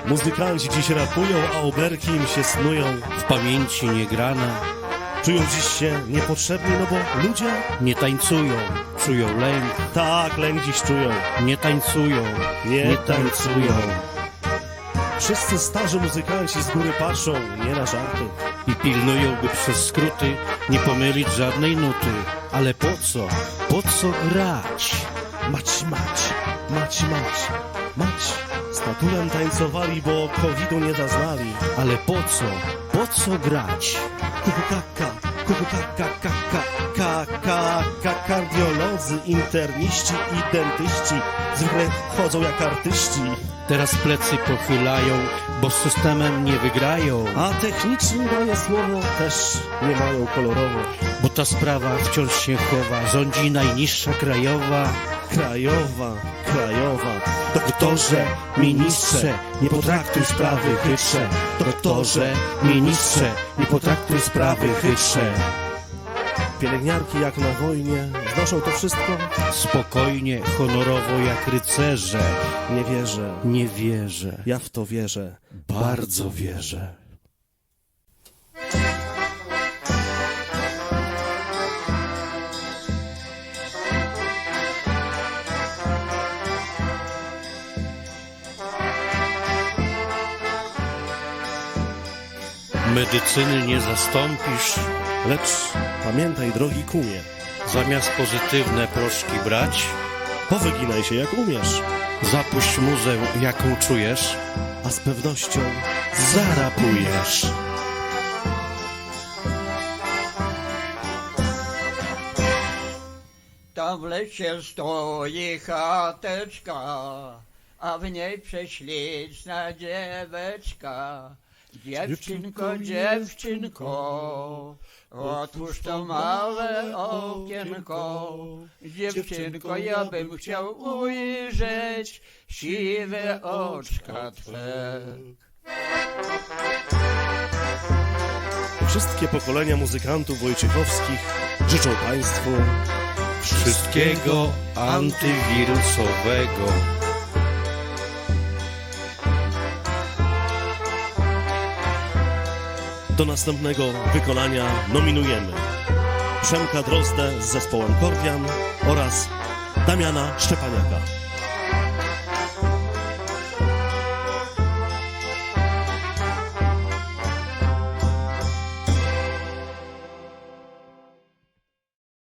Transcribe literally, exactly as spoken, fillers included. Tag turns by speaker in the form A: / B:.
A: Muzykanci dziś rapują, a oberki im się snują.
B: W pamięci niegrane
A: Czują dziś się niepotrzebni, no bo ludzie
B: nie tańcują, czują lęk.
A: tak lęk dziś czują.
B: Nie tańcują,
A: Nie,
B: nie
A: tańcują.
B: tańcują.
A: Wszyscy starzy muzykanci z góry patrzą, nie na żarty.
B: I pilnują, by przez skróty nie pomylić żadnej nuty. Ale po co? Po co grać?
A: Mać, mać, mać, mać, mać. Z Tatulem tańcowali, bo covidu nie zaznali.
B: Ale po co? Po co grać?
A: Kukukaka, kukukaka, kaka, kaka, kaka, kardiolodzy, interniści i dentyści zwykle chodzą jak artyści.
B: Teraz plecy pochylają, bo z systemem nie wygrają.
A: A techniczni, moje słowo, też nie mają kolorowo.
B: Bo ta sprawa wciąż się chowa, rządzi najniższa krajowa.
A: Krajowa, krajowa.
B: Doktorze, ministrze, nie potraktuj sprawy chytrze. Doktorze, ministrze, nie potraktuj sprawy chytrze.
A: Pielęgniarki jak na wojnie znoszą to wszystko.
B: Spokojnie, honorowo jak rycerze.
A: Nie wierzę,
B: Nie wierzę,
A: ja w to wierzę.
B: bardzo wierzę. Medycyny nie zastąpisz,
A: Lecz pamiętaj, drogi kumie,
B: zamiast pozytywne proszki brać,
A: powyginaj się jak umiesz,
B: zapuść muzę, jaką czujesz,
A: a z pewnością
B: zarapujesz.
C: Tam w lesie stoi chateczka, a w niej prześliczna dzieweczka. Dziewczynko, dziewczynko, otwórz to małe okienko. Dziewczynko, ja bym chciał ujrzeć siwe oczka twe.
A: wszystkie pokolenia muzykantów wojciechowskich życzą Państwu
B: Wszystkiego antywirusowego.
A: do następnego wykonania nominujemy Przemka Drozdę z zespołem Kordian oraz Damiana Szczepaniaka.